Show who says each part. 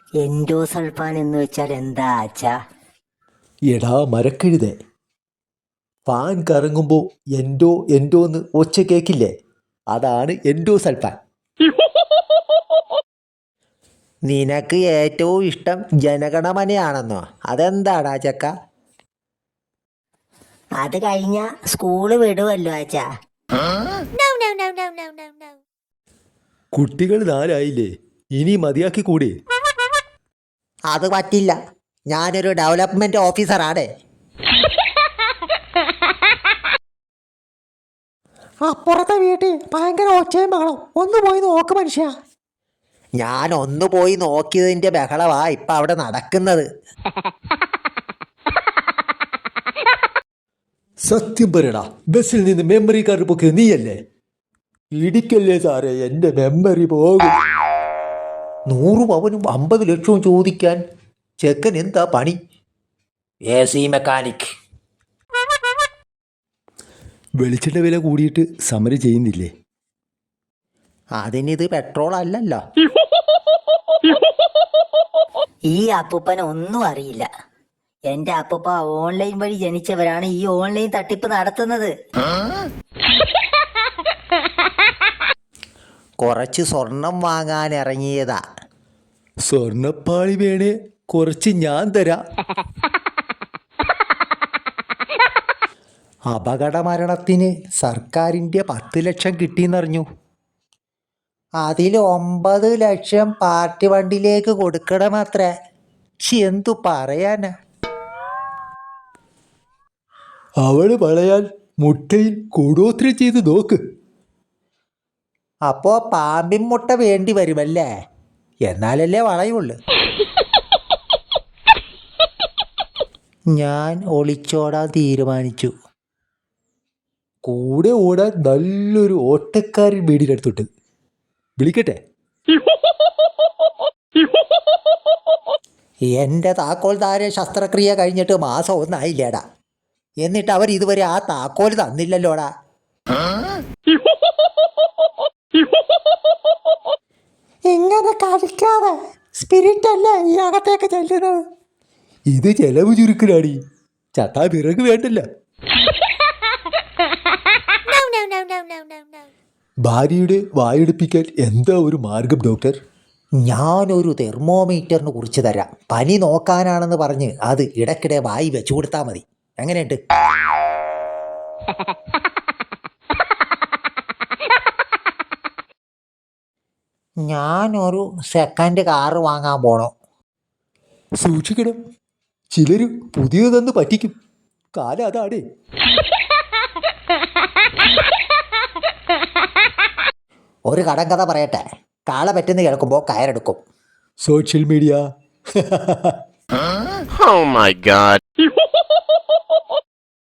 Speaker 1: Endosulfan എന്ന് വെച്ചാൽ എന്താ ആച്ചാ?
Speaker 2: എടാ മരക്കഴുതേ, ഫാൻ കറങ്ങുമ്പോൾ എൻഡോ എൻഡോ എന്ന് ഒച്ച കേക്കില്ലേ? അതാണ് എൻഡോസൾഫാൻ. നിനക്ക് ഏറ്റവും ഇഷ്ടം ജനഗണമനയാണെന്നോ? അതെന്താടാ ചക്ക?
Speaker 1: അത് കഴിഞ്ഞ സ്കൂള് വിടുമല്ലോ ആച്ചാ.
Speaker 2: കുട്ടികൾ 4 ആയില്ലേ, ഇനി മതിയാക്കി കൂടി.
Speaker 1: അത് പറ്റില്ല, ഞാനൊരു ഡെവലപ്മെന്റ് ഓഫീസറാണ്.
Speaker 2: അപ്പുറത്തെ വീട്ടിൽ ഭയങ്കര ഒച്ചയും ബഹളം, ഒന്ന് പോയി നോക്ക് മനുഷ്യ.
Speaker 1: ഞാൻ ഒന്ന് പോയി നോക്കിയതിന്റെ ബഹളവാ ഇപ്പൊ അവിടെ നടക്കുന്നത്.
Speaker 2: സത്യം പറയടാ, ബസ്സിൽ നിന്ന് മെമ്മറി കാർഡ് പൊക്കിയത് നീയല്ലേ? ഇടിക്കല്ലേ സാറേ, എൻ്റെ മെമ്മറി പോകും. 100 പവനും 50 ലക്ഷവും ചോദിക്കാൻ ചെക്കൻ എന്താ പണി?
Speaker 1: AC mechanic.
Speaker 2: വെളിച്ചെണ്ണ വില കൂടിയിട്ട് സമരം ചെയ്യുന്നില്ലേ?
Speaker 1: അതിനിത് പെട്രോൾ അല്ലല്ലോ. ഈ അപ്പൂപ്പന് ഒന്നും അറിയില്ല. എന്റെ അപ്പൂപ്പ ഓൺലൈൻ വഴി ജനിച്ചവരാണ് ഈ ഓൺലൈൻ തട്ടിപ്പ് നടത്തുന്നത്. കുറച്ച് സ്വർണം വാങ്ങാൻ ഇറങ്ങിയതാ.
Speaker 2: സ്വർണ്ണപ്പാളി വേണേ കുറച്ച് ഞാൻ തരാം.
Speaker 1: അപകട മരണത്തിന് സർക്കാരിൻ്റെ 10 ലക്ഷം കിട്ടിയെന്നറിഞ്ഞു. അതിൽ 9 ലക്ഷം പാർട്ടി ഫണ്ടിലേക്ക് കൊടുക്കണമത്രേ. എന്തു പറയാനാ?
Speaker 2: അവള് വളയാൻ മുട്ടയിൽ കൂടോത്രം ചെയ്ത് നോക്ക്.
Speaker 1: അപ്പോ പാമ്പിൻ മുട്ട വേണ്ടി വരുമല്ലേ? എന്നാലല്ലേ വളയുള്ളു. ഞാൻ ഒളിച്ചോടാൻ തീരുമാനിച്ചു.
Speaker 2: കൂടെ ഓടാൻ നല്ലൊരു ഓട്ടക്കാരൻ വീടിനടുത്തോട്ട് വിളിക്കട്ടെ?
Speaker 1: എന്റെ താക്കോൽദാര ശസ്ത്രക്രിയ കഴിഞ്ഞിട്ട് മാസം 1 ആയില്ലേടാ. എന്നിട്ട് അവർ ഇതുവരെ ആ താക്കോൽ തന്നില്ലല്ലോടാ.
Speaker 2: ഇങ്ങനെ കളിക്കാതെ, സ്പിരിറ്റ് അല്ലേ ഈ അകത്തേക്ക് ചെല്ലുന്നത്. ഇത് ചെലവ് ചുരുക്കലാടി, ചത്താ വിറക് വേണ്ടല്ല. ഭാര്യയുടെ വായെടുപ്പിക്കാൻ എന്താ ഒരു മാർഗം ഡോക്ടർ?
Speaker 1: ഞാനൊരു തെർമോമീറ്ററിന് കുറിച്ച് തരാം. പനി നോക്കാനാണെന്ന് പറഞ്ഞ് അത് ഇടയ്ക്കിടെ വായി വെച്ചു കൊടുത്താൽ മതി. എങ്ങനെയുണ്ട്? ഞാനൊരു സെക്കൻഡ് കാറ് വാങ്ങാൻ പോണോ.
Speaker 2: സൂക്ഷിക്കണം, ചിലര് പുതിയതെന്ന് പറ്റിക്കും. കാലം അതാടേ.
Speaker 1: ഒരു കടങ്കഥ പറയട്ടെ. കാള പറ്റുന്ന കേൾക്കുമ്പോൾ കയറെടുക്കും.
Speaker 2: Social media.
Speaker 3: Oh my God.